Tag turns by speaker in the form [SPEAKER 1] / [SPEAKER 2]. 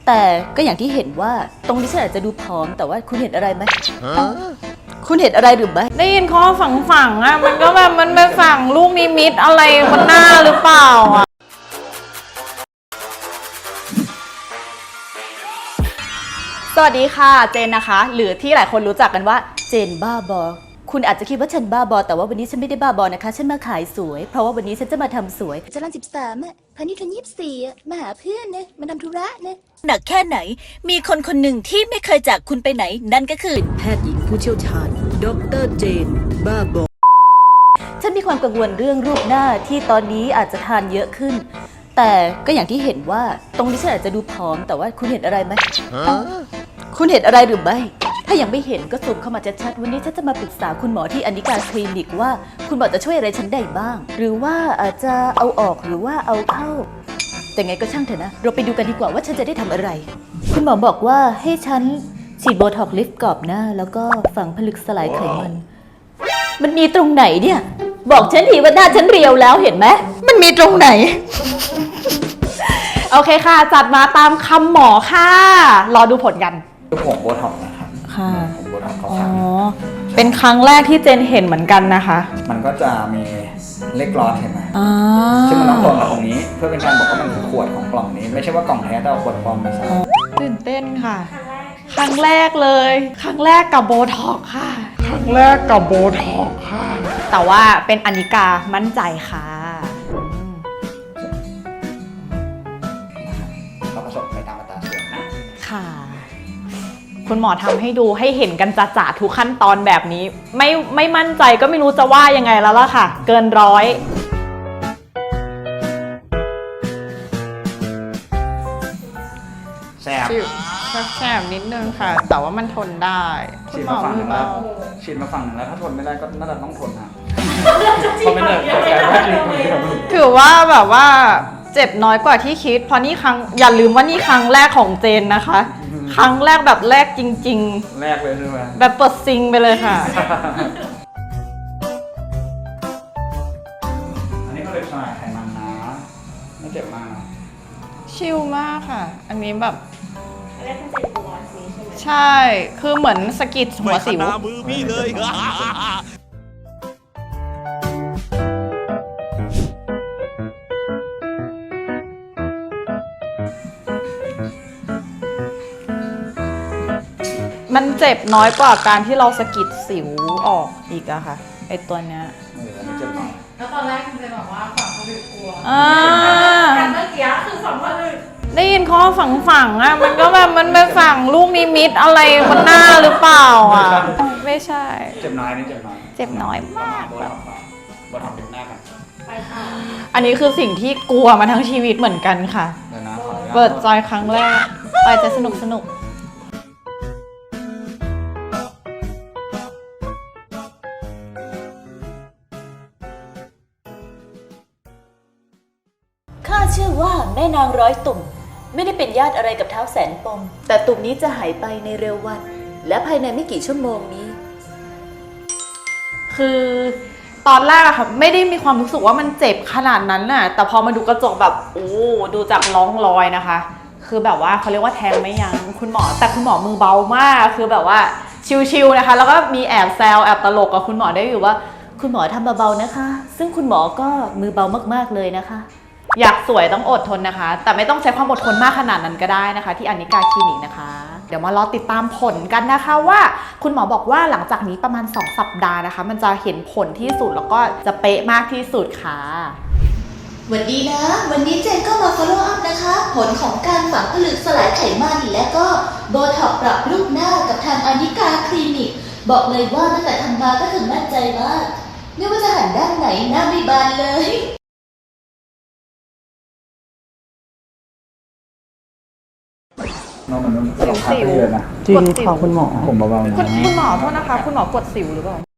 [SPEAKER 1] แต่ก็อย่างที่เห็นว่าตรงนี้ฉันอาจจะดูผอมแต่ว่าคุณเห็นอะไรไหมคุณเห็นอะไรหรือไม่
[SPEAKER 2] ได้ยินข้อฝังอ่ะมันก็แบบมันไปฝังลูกนิมิตอะไรบนหน้าหรือเปล่าอ่ะสวัสดีค่ะเจนนะคะหรือที่หลายคนรู้จักกันว่า
[SPEAKER 1] เจนบ้าบอคุณอาจจะคิดว่าฉันบ้าบอแต่ว่าวันนี้ฉันไม่ได้บ้าบอนะคะฉันมาขายสวยเพราะว่าวันนี้ฉันจะมาทำสวย
[SPEAKER 3] จรัญ13อ่ะพานิชย์24อ่ะมาหาเพื่อนนะมาทำธุระนะ
[SPEAKER 1] หนักแค่ไหนมีคนคนหนึ่งที่ไม่เคยจากคุณไปไหนนั่นก็คือแพทย์หญิงผู้เชี่ยวชาญดร.เจนบ้าบอฉันมีความกังวลเรื่องรูปหน้าที่ตอนนี้อาจจะทานเยอะขึ้นแต่ก็อย่างที่เห็นว่าตรงนี้ฉันอาจจะดูผอมแต่ว่าคุณเห็นอะไรไหมคุณเห็นอะไรหรือไม่ถ้ายังไม่เห็นก็ซูมเข้ามาชัดๆวันนี้ฉันจะมาปรึกษาคุณหมอที่อนิการคลินิกว่าคุณหมอจะช่วยอะไรฉันได้บ้างหรือว่าอาจจะเอาออกหรือว่าเอาเข้าแต่ไงก็ช่างเถอะนะเราไปดูกันดีกว่าว่าฉันจะได้ทำอะไรคุณหมอบอกว่าให้ฉันฉีดโบท็อกซ์ลิฟต์กรอบหน้าแล้วก็ฝังผลึกสลายไขมันมีตรงไหนเนี่ยบอกฉันทีว่าหน้าฉันเรียวแล้วเห็นไหมมันมีตรงไหน
[SPEAKER 2] โอเคค่ะจัดมาตามคำหมอค่ะรอดูผลกัน
[SPEAKER 4] คือผงโบท็อกซ์นะครับ
[SPEAKER 2] ค่ะ
[SPEAKER 4] ผงโบท็อกซ์เขา
[SPEAKER 2] อ๋อ
[SPEAKER 4] ขาย
[SPEAKER 2] เป็นครั้งแรกที่เจนเห็นเหมือนกันนะคะ
[SPEAKER 4] มันก็จะมีเลขกลอนเห็นไหม
[SPEAKER 2] อ่า
[SPEAKER 4] ซึ่งมันต้องตรงกับตรงนี้เพื่อเป็นการบอกว่ามันคือขวดของกล่องนี้ ไม่ใช่ว่ากล่องแท้แต่เอาขวดปลอมมาใส่
[SPEAKER 2] ตื่นเต้นค่ะครั้งแรกเลยครั้งแรกกับโบท็อกซ์ค่ะครั้งแรกกับโบท็อกซ์ค่ะแต่ว่าเป็นอนิกามั่นใจค่ะ
[SPEAKER 4] เราผสมไปตามอัตราส่วนนะ
[SPEAKER 2] ค่ะคุณหมอทำให้ดูให้เห็นกันจ่าๆทุกขั้นตอนแบบนี้ไม่มั่นใจก็ไม่รู้จะว่ายังไงแล้วล่ะค่ะเกินร้อย
[SPEAKER 4] แซ่บ
[SPEAKER 2] แสบนิดนึงค่ะ แต่ว่ามันทนได้
[SPEAKER 4] ฉีดมาฝั่งนึงแล้วฉีดมาฝั่งนึงแล้วถ้าทนไม่ได้ก็น่าจะต้องทนนะเพราะไม่ได้
[SPEAKER 2] ถือว่าแบบว่าเจ็บน้อยกว่าที่คิดเพราะนี่อย่าลืมว่านี่ครั้งแรกของเจนนะคะ ครั้งแรกแบบแรกจริง
[SPEAKER 4] ๆแรกเลยใช่ไหม
[SPEAKER 2] แบบเปิดซิงไปเลยค่ะ
[SPEAKER 4] อันนี้ก็เลยสลายไขมันนะไม่เจ็บมากนะ
[SPEAKER 2] ชิลมากค่ะอันนี้แบบใช่คือเหมือนสกิดหัวสิวมือพี่เลยมันเจ็บน้อยกว่าการที่เราสกิดสิวออกอีกอะค่ะไอตัวเนี้ย
[SPEAKER 5] แล้วตอนแรกคุณจะบอกว่าฝังผลึกกลัว
[SPEAKER 2] การ
[SPEAKER 5] เมื่อกี้คือฝังผลึก
[SPEAKER 2] ได้ยินข้อฝังอ่ะมันก็แบบมันไปฝังลูกนิมิตอะไรบนหน้าหรือเปล่าอ่ะไม่ใช่
[SPEAKER 4] เจ็บน้อยนี่เจ็บน้อย
[SPEAKER 2] เจ็บน้อยมากแบบ
[SPEAKER 4] โบท็อกซ์เป็นหน้ากัน
[SPEAKER 2] อันนี้คือสิ่งที่กลัวมาทั้งชีวิตเหมือนกันค่ะเปิดใจครั้งแรกไปจะสนุก
[SPEAKER 1] ข้าเชื่อว่าแม่นางร้อยตุ่มไม่ได้เป็นญาติอะไรกับเท้าแสนปมแต่ตุ่มนี้จะหายไปในเร็ววันและภายในไม่กี่ชั่วโมงนี้
[SPEAKER 2] คือตอนแรกอะค่ะไม่ได้มีความรู้สึกว่ามันเจ็บขนาดนั้นน่ะแต่พอมาดูกระจกแบบโอ้ดูจากร่องรอยนะคะคือแบบว่าเขาเรียกว่าแทงไม่ยั้งคุณหมอแต่คุณหมอมือเบามากคือแบบว่าชิวๆนะคะแล้วก็มีแอบแซวแอบตลกกับคุณหมอได้อยู่ว่า
[SPEAKER 1] คุณหมอทำเบาๆนะคะซึ่งคุณหมอก็มือเบามากๆเลยนะคะ
[SPEAKER 2] อยากสวยต้องอดทนนะคะแต่ไม่ต้องใช้ความอดทนมากขนาดนั้นก็ได้นะคะที่อนิกาคลินิกนะคะเดี๋ยวมารอติดตามผลกันนะคะว่าคุณหมอบอกว่าหลังจากนี้ประมาณ2สัปดาห์นะคะมันจะเห็นผลที่สุดแล้วก็จะเป๊ะมากที่สุดค่ะ
[SPEAKER 3] วันดีนะวันนี้เจนก็มา follow up นะคะผลของการฝังผลึกสลายไขมันและก็โบท็อกซ์ปรับรูปหน้ากับทางอนิกาคลินิกบอกเลยว่าตั้งแต่ทำมาก็คือมั่นใจมากไม่ว่าจะหันด้านไหนหน้าไม่บานเลย
[SPEAKER 4] น้องมันต้อง
[SPEAKER 2] สิว
[SPEAKER 4] เลยนะ
[SPEAKER 2] จริงขอคุณหมอ
[SPEAKER 4] ผมเบาๆนะ
[SPEAKER 2] คุณหมอโทษนะคะคุณหมอกดสิวหรือเปล่า